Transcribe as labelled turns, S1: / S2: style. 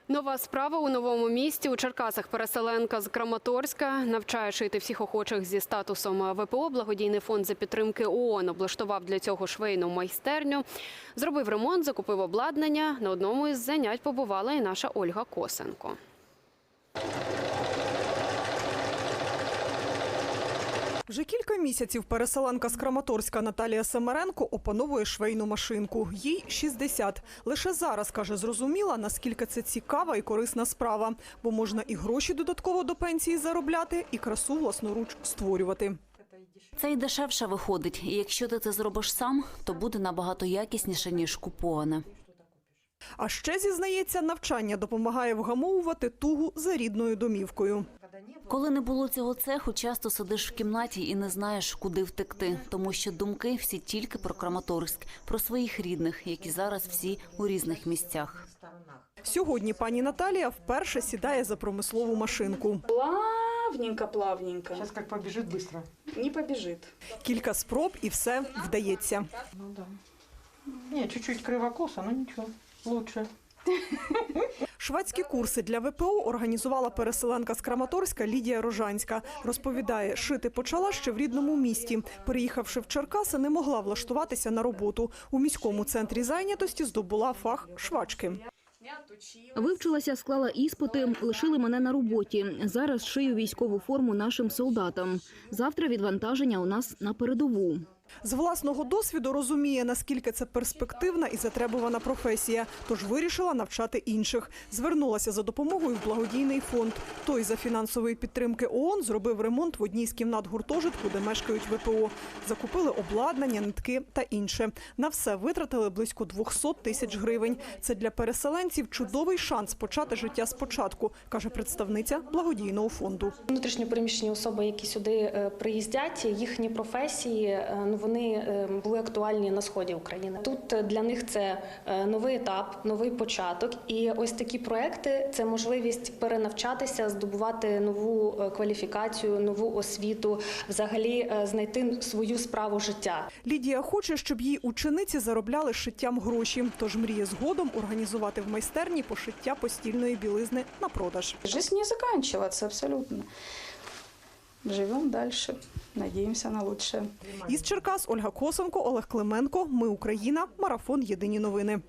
S1: Нова справа у новому місті. У Черкасах переселенка з Краматорська навчає шити всіх охочих зі статусом ВПО. Благодійний фонд за підтримки ООН облаштував для цього швейну майстерню. Зробив ремонт, закупив обладнання. На одному із занять побувала і наша Ольга Косенко.
S2: Вже кілька місяців переселенка з Краматорська Наталія Семеренко опановує швейну машинку. Їй 60. Лише зараз, каже, зрозуміла, наскільки це цікава і корисна справа. Бо можна і гроші додатково до пенсії заробляти, і красу власноруч створювати.
S3: Це й дешевше виходить. І якщо ти це зробиш сам, то буде набагато якісніше, ніж куповане.
S2: А ще, зізнається, навчання допомагає вгамовувати тугу за рідною домівкою.
S3: Коли не було цього цеху, часто сидиш в кімнаті і не знаєш, куди втекти. Тому що думки всі тільки про Краматорськ, про своїх рідних, які зараз всі у різних місцях.
S2: Сьогодні пані Наталія вперше сідає за промислову машинку.
S4: Плавненько.
S5: Сейчас как побежит быстро.
S4: Не побежит.
S2: Кілька спроб і все вдається.
S5: Ну да. Не, чуть-чуть кривокоса, но ничего, лучше.
S2: Шведські курси для ВПО організувала переселенка з Краматорська Лідія Рожанська. Розповідає, шити почала ще в рідному місті. Переїхавши в Черкаси, не могла влаштуватися на роботу. У міському центрі зайнятості здобула фах швачки.
S6: Вивчилася, склала іспити, лишили мене на роботі. Зараз шию військову форму нашим солдатам. Завтра відвантаження у нас на передову.
S2: З власного досвіду розуміє, наскільки це перспективна і затребувана професія, тож вирішила навчати інших. Звернулася за допомогою в благодійний фонд. Той за фінансової підтримки ООН зробив ремонт в одній з кімнат гуртожитку, де мешкають ВПО. Закупили обладнання, нитки та інше. На все витратили близько 200 тисяч гривень. Це для переселенців чудовий шанс почати життя спочатку, каже представниця благодійного фонду.
S7: Внутрішньо переміщені особи, які сюди приїздять, їхні професії, вони були актуальні на сході України. Тут для них це новий етап, новий початок. І ось такі проекти – це можливість перенавчатися, здобувати нову кваліфікацію, нову освіту, взагалі знайти свою справу життя.
S2: Лідія хоче, щоб її учениці заробляли шиттям гроші. Тож мріє згодом організувати в майстерні пошиття постільної білизни на продаж.
S4: Жизнь не заканчивается абсолютно. Живем дальше. Надеемся на лучшее.
S2: Із Черкас Ольга Косенко, Олег Клименко. Ми Україна. Марафон. Єдині новини.